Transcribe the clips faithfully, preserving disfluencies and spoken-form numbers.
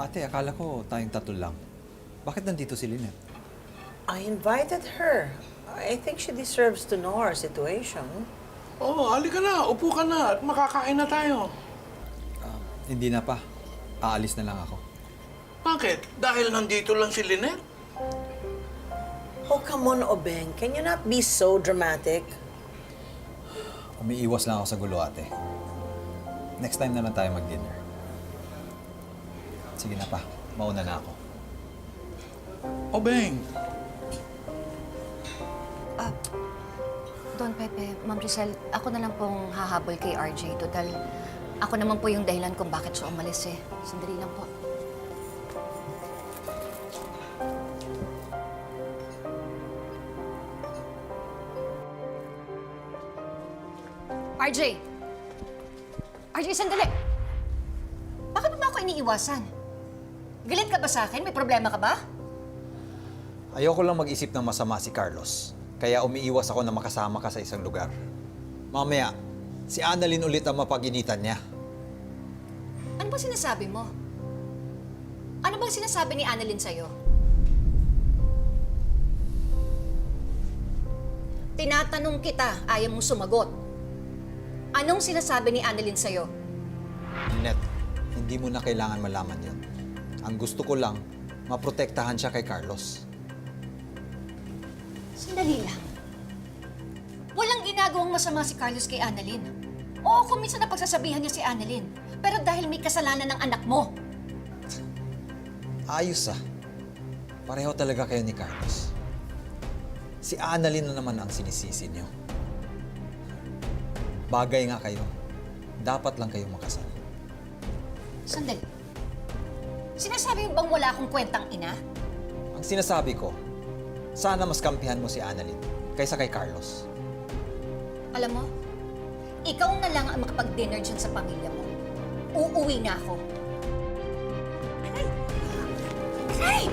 Ate, akala ko tayong tatlo lang. Bakit nandito si Lynette? I invited her. I think she deserves to know our situation. Oo, oh, halika na. Upo ka na at makakain na tayo. Ah, hindi na pa. Aalis na lang ako. Bakit? Dahil nandito lang si Lynette? Oh, come on, Obeng. Can you not be so dramatic? Umiiwas lang ako sa gulo, ate. Next time na lang tayo mag-dinner. Sige na pa. Mauna na ako. Obeng, Ah, Don Pepe, Ma'am Giselle, ako na lang pong hahabol kay R J. Total, ako naman po yung dahilan kung bakit siya umalis eh. Sandali lang po. R J! R J, sandali! Bakit mo ba ako iniiwasan? Galit ka ba sa akin? May problema ka ba? Ayoko lang mag-isip ng masama si Carlos. Kaya umiiwas ako na makasama ka sa isang lugar. Mamaya, si Annalyn ulit ang mapag-initan niya. Ano ba sinasabi mo? Ano bang sinasabi ni Annalyn sa'yo? Tinatanong kita, ayaw mong sumagot. Anong sinasabi ni Annalyn sa'yo? Lynette, hindi mo na kailangan malaman yon. Ang gusto ko lang, maprotektahan siya kay Carlos. Sandali lang. Walang ginagawang masama si Carlos kay Annalyn. Oo, kung minsan napagsasabihan niya si Annalyn. Pero dahil may kasalanan ng anak mo. Ayos ah. Pareho talaga kayo ni Carlos. Si Annalyn na naman ang sinisisi niyo. Bagay nga kayo. Dapat lang kayong makasal. Sandali. Sinasabi mo bang wala akong kwentang ina? Ang sinasabi ko, sana mas kampihan mo si Annalyn kaysa kay Carlos. Alam mo, ikaw na lang ang makapag-dinner dyan sa pamilya mo. Uuwi na ako. Aray! Aray!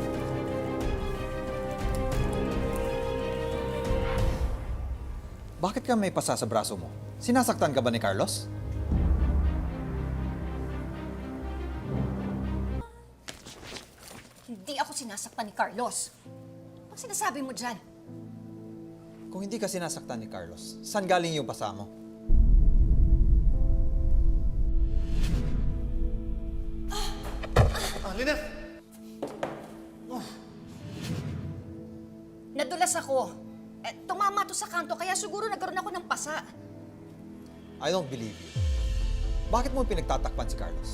Bakit ka may pasa sa braso mo? Sinasaktan ka ba ni Carlos? Hindi ako sinasaktan ni Carlos. Ano sinasabi mo dyan? Kung hindi ka sinasaktan ni Carlos, saan galing yung pasa mo? ah, Lynette! Nadulas ako. Eh, tumama to sa kanto, kaya siguro nagkaroon ako ng pasa. I don't believe you. Bakit mo pinagtatakpan si Carlos?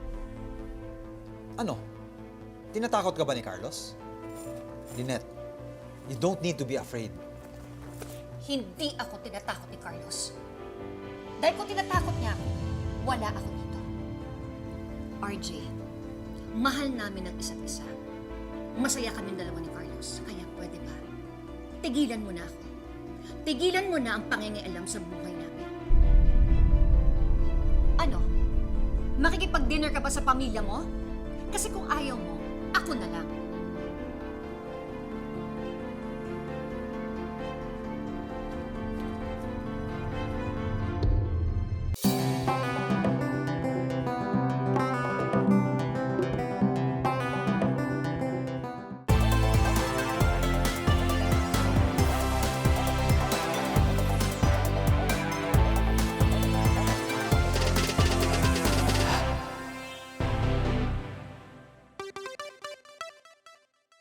Ano? Tinatakot ka ba ni Carlos? Lynette, you don't need to be afraid. Hindi ako tinatakot ni Carlos. Dahil kung tinatakot niya ako, wala ako dito. R J, mahal namin ang isa't isa. Masaya kami dalawa ni Carlos, kaya pwede ba? Tigilan mo na ako. Tigilan mo na ang pangingialam sa buhay namin. Ano? Makikipag-dinner ka ba sa pamilya mo? Kasi kung ayaw mo, ako na lang.